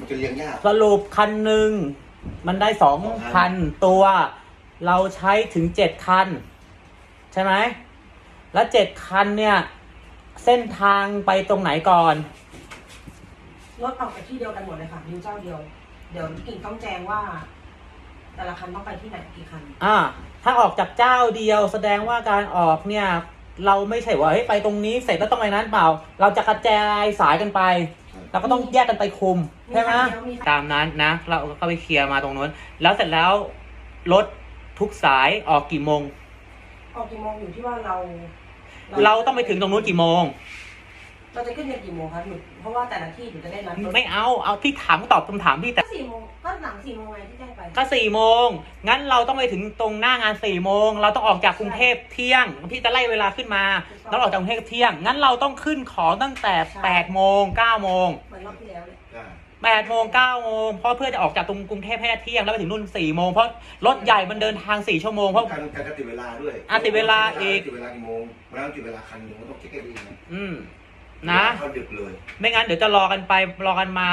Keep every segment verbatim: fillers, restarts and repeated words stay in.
มันจะเลี้ยงยากสรุปคันหนึ่งมันได้สองพันตัว เราใช้ถึงเจ็ดคันใช่ไหมแล้วเจ็ดคันเนี่ยเส้นทางไปตรงไหนก่อนรถออกจากที่เดียวกันหมดเลยค่ะดิวเจ้าเดียวเดี๋ยวกิ่งต้องแจ้งว่า แต่ละคันต้องไปที่ไหนกี่คันอ่าถ้าออกจากเจ้าเดียวแสดงว่าการออกเนี่ยเราไม่ใช่ว่าเฮ้ยไปตรงนี้เสร็จแล้วต้องไปนั้นเปล่าเราจะกระจายสายกันไปเราก็ต้องแยกกันไปคุมใช่ไหมตามนั้นนะเราก็ไปเคลียร์มาตรงนู้นแล้วเสร็จแล้วรถทุกสายออกกี่โมงออกกี่โมงอยู่ที่ว่าเราเราต้องไปถึงตรงนู้นกี่โมงเราจะขึ้นเรียนกี่โมงคะหนูเพราะว่าแต่ละที่หนูจะได้นัดไม่เอาเอาที่ถามตอบคำถามพี่แต่ก็สี่โมงก็หลังสี่โมงไงที่แจ้งไปก็สี่โมงงั้นเราต้องไปถึงตรงหน้างานสี่โมงเราต้องออกจากกรุงเทพเที่ยงพี่จะไล่เวลาขึ้นมาแล้วออกจากกรุงเทพเที่ยงงั้นเราต้องขึ้นของตั้งแต่แปดโมงเก้าโมงเหมือนรอบที่แล้วเลยแปดโมงเก้าโมงเพราะเพื่อจะออกจากตรงกรุงเทพให้เที่ยงแล้วไปถึงนู่นสี่โมงเพราะรถใหญ่มันเดินทางสี่ชั่วโมงเพราะการการติดเวลาด้วยอ่ะติดเวลาอีกติดเวลากี่โมงมันต้องติดเวลาคันหนึ่งมันต้องเช็คให้ดีนะอืมนะเขาดึกเลยไม่งั้นเดี๋ยวจะรอกันไปรอกันมา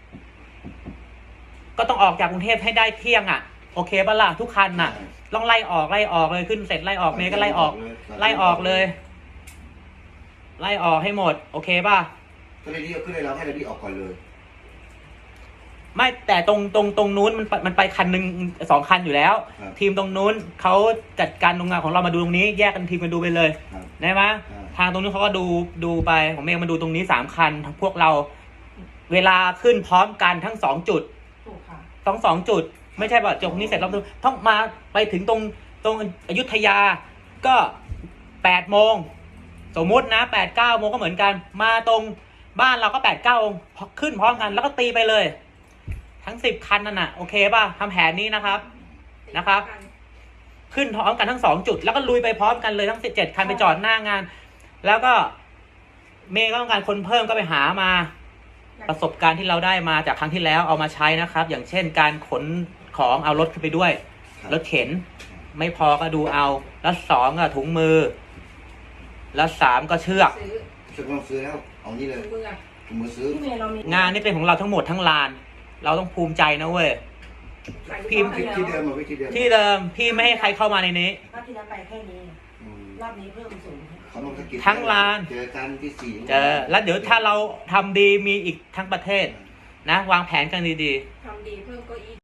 ก็ต้องออกจากกรุงเทพให้ได้เที่ยงอ่ะโอเคปะล่ะทุกคันน่ะต้องไล่ออกไล่ออกเลยขึ้นเสร็จไล่ออกเมย์ก็ไล่ออกไล่ออกเลยไล่ออกให้หมดโอเคป่ะก็เลยรีบขึ้นเลยเราให้เรารีบออกก่อนเลยไม่แต่ตรงตรงตรงนู้นมันมันไปคันหนึ่งสองคันอยู่แล้วทีมตรงนู้นเขาจัดการตรงงานของเรามาดูตรงนี้แยกกันทีมกันดูไปเลยได้ไหมทางตรงนู้นเขาก็ดูดูไปของเมย์มาดูตรงนี้สามคันพวกเราเวลาขึ้นพร้อมกันทั้งสองจุดต้องสองจุดไม่ใช่ว่าจบนี้เสร็จแล้วต้องมาไปถึงตรงตรงอยุธยาก็แปดโมงสมมุตินะแปดเก้าโมงก็เหมือนกันมาตรงบ้านเราก็แปดเก้าขึ้นพร้อมกันแล้วก็ตีไปเลยทั้งสิบคันนั่นน่ะโอเคป่ะทำแผนนี้นะครับนะครับขึ้นพร้อมกันทั้งสองจุดแล้วก็ลุยไปพร้อมกันเลยทั้งสิบเจ็ดคันไปจอดหน้างานแล้วก็เมย์ก็ต้องการคนเพิ่มก็ไปหามาประสบการณ์ที่เราได้มาจากครั้งที่แล้วเอามาใช้นะครับอย่างเช่นการขนของเอารถขึ้นไปด้วยรถเข็นไม่พอก็ดูเอาแล้วสองก็ถุงมือแล้วสามก็เชือกเชือกต้องซื้อแล้วเอานี่เลยถุงมือซื้องานนี้เป็นของเราทั้งหมดทั้งลานเราต้องภูมิใจนะเว้ยพี่ที่เดิมมาที่เดิมที่เดิมพี่ไม่ให้ใครเข้ามาในนี้รอบที่แล้วไปแค่นี้รอบนี้เพิ่มสูงทั้งลานเจอกันที่สี่เจอแล้วเดี๋ยวถ้าเราทำดีมีอีกทั้งประเทศนะวางแผนกันดีๆทำดีเพิ่มก็อีก